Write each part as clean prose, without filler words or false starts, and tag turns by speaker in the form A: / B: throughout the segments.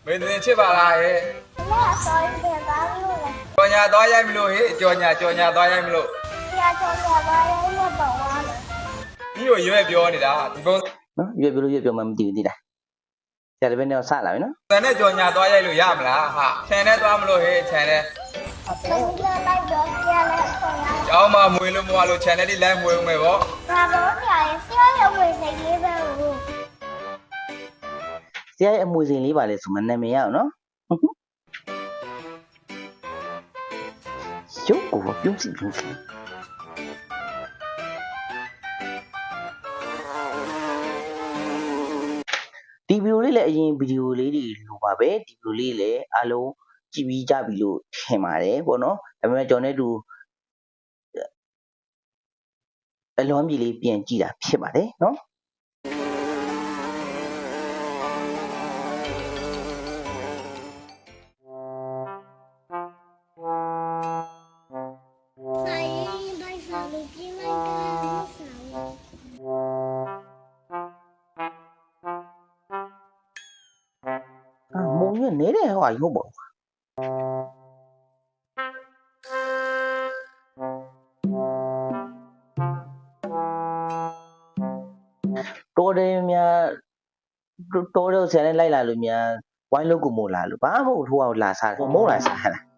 A: မင်းတင်ချစ်ပါလားဟဲ့
B: လက်ဆောင်းပြန်ပါလို့လေ
A: ကြော်ညာသွားရိုက်မလို့ဟဲ့ကြော်ညာသွားရိုက်မလို့
B: ပြာချောရပါရဲ့မတော်ပါဘူး
A: ဒီကိုရွေးပြောနေတာဒီပုံ
C: နော်ရွေ့ပြောမှမသိဘူးသိလားဆရာတပည့်နဲ့စလာပြီနော်
A: စံနဲ့ကြော်ညာသွားရိုက်လို့ရမလားဟာခြံနဲ့သွားမလို့ဟဲ့ခြံနဲ့
B: ဘယ်လိုလိုက်တော့ပြာလဲဆောင်းရ
A: ကျောင်းမှာမွေလို့မွားလို့ခြံနဲ့ဒီလိုက်မွေဦးမယ်ဗော
B: ဘာလို့ပြာရဲ့ဆရာရဲ့ဝင်နေလေးပဲဘူး
C: ဆရာရဲ့အမွေစိန်လေးပါလေဆိုမှနာမည်ရအောင်နော်ရုပ်ကိုပြုံးစီဒီဗီဒီယိုလေးလည်းအရင်ဗီဒီယိုလေးတွေလိုပါပဲဒီဗီဒီယိုလေးလည်းအားလုံးကြည့်ပြီးကြပြီလို့ထင်ပါတယ်ပေါ့နော်ဒါပေမဲ့ကျွန်တော်နဲ့တူအလွန်ကြီးလေးပြန်ကြည့်တာဖြစ်ပါတယ်နော်
B: ဆိုင်တိုင်းစားလို့ပြင်းလိုက်တာဆောင်း
C: မုံရနေတဲ့ဟောရုပ်ပေါ့တော်တယ်များတော်တယ်ဆရာနဲ့လိုက်လာလို့များဝိုင်းလို့ကိုမို့လာလို့ဘာမှမဟုတ်ထိုးအောင်လာစားတယ်မုံလာစားလား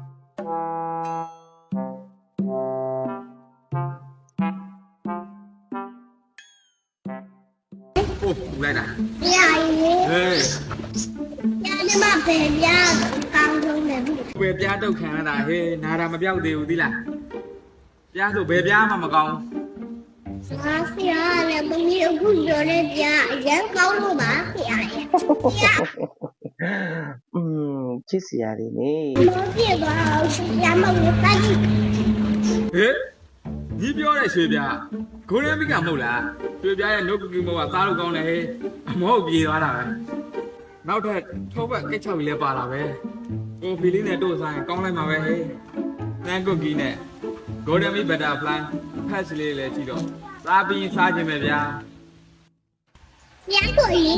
A: ဟုတ်လိုက်တာ
B: ပြာရဲ့
A: ဟေး
B: ပြာနဲ့မပဲပြာကောင်းဆုံးတယ်ဘူး
A: ဘယ်ပြားတုတ်ခံရတာဟေးနာတာမပြောက်သေးဘူးသီလားပြားဆိုဘယ်ပြားမှမကောင်း
B: ငါဆရာလည်းမင်းအခုပြောတဲ့ပြာအရင်ကောင်းလို့ပါဆရာရဲ့ပြာ
C: ချစ်စရာတွေနေ
B: မပြေပါဘူးဆရာမလို့တိုက်
A: ဟေးညီပြောတဲ့ရွှေပြားဂိုးရမ်းမိကမဟုတ်လားရွှေပြားရဲ့နှုတ်ကူမဟုတ်ကသားလို့ကောင်းတယ်ဟေးအမောပြေသွားတာပဲနောက်ထပ်ထောပတ်ကိတ်ချောက်ကြီးလည်းပါလာပဲကိုဖီလေးနဲ့တို့ဆိုင်ကောင်းလိုက်မှာပဲဟေးနန်းကုတ်ကြီးနဲ့ Golden Bee Butterfly ဖက်စလေးလည်းကြည့်တော့စားပြီးစားခြင်းပဲဗျာ
B: ပြာကိုရင်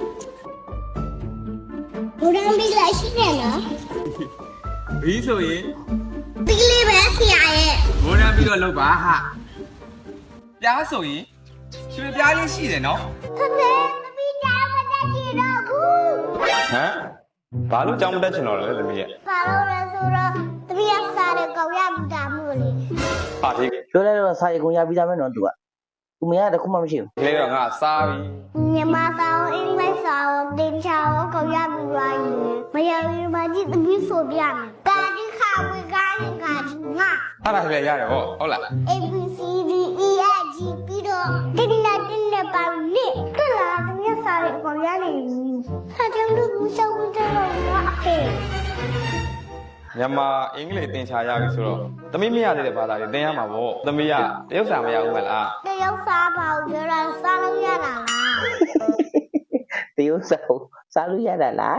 B: ဘူရန်ဘီလိုက်ရှိတယ်နော်
A: ဘီးဆိုရင်
B: ဒီလေးပဲဆရာရဲ့
A: ဂိုးရမ်းပြီးတော့လောက်ပါဟာပြားဆိုရင်ရွှေပြားလေးရှိတယ်နော်
B: ဖဖေမပီတာမတက်ကြည့်တော့ဘူး
D: ဟမ်ဘာလို့ကြောင်းမတက်ချင်တော့လဲသမီးရဲ့
B: ဘာလို့လဲဆိုတော့တပည့်စားတဲ့ကောင်ရဘူးတာမို့လေ
D: ဟာဒီ
C: ပြောလိုက်တော့စာရေးကုန်ရပြီးသားပဲနော်သူကသူမရတခုမှမရှိဘူး
D: ကလေးတော့ငါစားပြီ
B: မြန်မာစာကိုအင်္ဂလိပ်စာကိုတင်ချာကိုကောင်ရဘူးပါရင်မရဘူးမကြည့်တပည့်ဆိုပြမယ်ကာဒီခါဝေကားရင်ကာဒီငါ
D: အဲ့ဒါလည်းရတယ်ဟောဟုတ်လား
B: A B C D E F G ပြီးတော့တင်းနဲ့ပါနေတက်လာတပည့်စားတဲ့ကောင်ရနေဟာကြောင့်လူစောင်းကြတော့ငါအဖေ
D: မြန်မာအင်္ဂလိပ်သင်ချာရပြီဆိုတော့သမီးမရသေးတဲ့ဘာသာတွေသင်ရမှာပေါ့သမီးကတရုတ်စာမရဘူးမလား
B: တယောက်စားပါဦးပြောတာစားလို့ရတာလား
C: တရုတ်စာစားလို့ရတာလား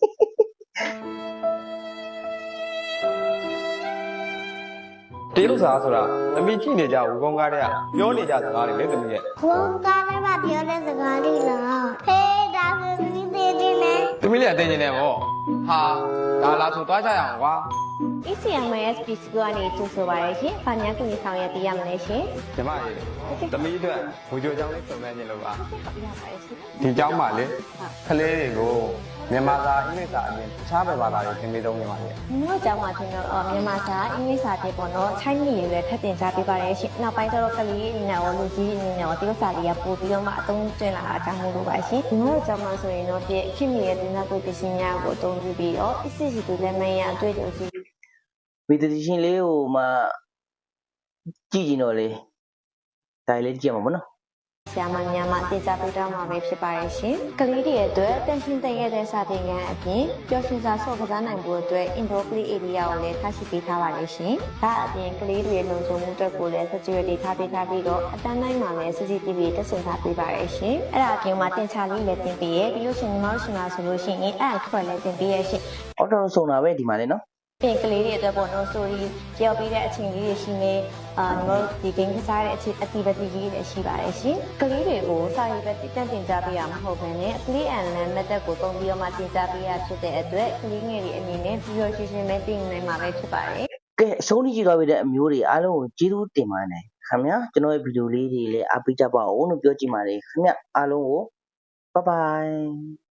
D: တရုတ်စာဆိုတာသမီးကြည့်နေကြဘူးကောင်းကားတဲ့ကပြောနေကြစကားတွေလေသမီးရဲ့
B: ဘုံကားလည်းမပြောတဲ့စကားလေးလားဖေးဒါဆိုဒီသေးသေးနဲ့
D: သမီးလည်းအသိဉာဏ်နဲ့ပေါ့ဟာဒါလားဆိုသွားကြရအောင်ကွာ
E: ECMS PC ကနေကြိုဆိုပါရရှင်။ဗာညာကူညီဆောင်ရွက်ပေးရမလဲရှင်
D: ညီမရေသမီးအတွက်ဝေကြိုကြောင်းလေးစုံစမ်းခြင်းလို့ပါ
E: ။ဟုတ်ပါရဲ့ရှင်
D: ဒီเจ้าမှာလေကလေးတွေကိုမြန်မာစာအင်္ဂလိပ်စာအပြင်တခြားဘယ်ဘာသာတွေသင်ပေးသုံးနေပါလဲ
E: ။မြို့ကျောင်းမှာသင်တော့မြန်မာစာအင်္ဂလိပ်စာတွေပေါ့နော်။ Chinese တွေလည်းထပ်တင်ကြားပေးပါရရှင်။နောက်ပိုင်းကျတော့ကလေးအနေနဲ့ရောလူကြီးအနေနဲ့ရောတရုတ်စာတွေကပို့ပြီးတော့မှအသုံးကျလာတာအကြောင်းမို့လို့ပါရှင်။မြို့ကျောင်းမှာဆိုရင်တော့ပြည့်ခင်မီရဲ့တင်သားကိုပစ္စည်းများကိုအသုံးပြုပြီးတော့ ECC တွေလည်းမရအတွေ့အကြုံရှိ
C: ဗီဒီယိုရှင်လေးကိုမှကြည့်ကြည့်တော့လေဒါလေးကြည့်ရမှာပေါ့နော်
E: ဆရာမများမှတင်ကြားပေးတော့မှာပဲဖြစ်ပါရဲ့ရှင်။ကလေးတွေအတွက်တန်ရှင်းတည့်ရတဲ့စာသင်ခန်းအပြင်ပျော်ရွှင်စွာဆော့ကစားနိုင်ဖို့အတွက် indoor play area ကိုလည်းထားရှိပေးထားပါလိမ့်ရှင်။ဒါအပြင်ကလေးတွေလုံခြုံမှုအတွက်ကိုလည်း security ထားပေးထားပြီးတော့အတန်းတိုင်းမှာလည်း CCTV တက်ဆင်ထားပေးပါရဲ့ရှင်။အဲ့ဒါအပြင်မှာတင်ချလေးလည်းတင်ပေးရဲ့ပြီးလို့ရှိရင်ညီမတို့ရှင်မှာဆိုလို့ရှိရင်အဲ့အထွက်လည်းတင်ပေးရဲ့ရှင်
C: အော်တော်ဆုံးတာပဲဒီမှာလေနော်
E: ပြင်ကလေးတွေအတွက်ပေါ့နော် story ကြောက်ပြီးတဲ့အချိန်လေးတွေရှိနေညီမတို့ဒီ game ကစားတဲ့အချိန် activity ကြီးတွေရှိပါတယ်ရှင်ကလေးတွေကိုစာရေးပဲတင်ကြားပေးရမှာမဟုတ်ဘဲနဲ့ play and learn method ကိုသုံးပြီးတော့မှတင်ကြားပေးရဖြစ်တဲ့အတွက်ကလေးငယ်တွေအနေနဲ့ visual ရှင်းရှင်းပဲသိနိုင်မှာပဲဖြစ်ပါတယ်
C: ကဲအဆုံးထိကြည့်သွားပြီတဲ့အမျိုးတွေအားလုံးကိုကျေးဇူးတင်ပါတယ်ခင်ဗျာကျွန်တော်ရဲ့ဗီဒီယိုလေးတွေလည်းအားပေးကြပါဦးလို့ပြောချင်ပါတယ်ခင်ဗျာအားလုံးကို bye bye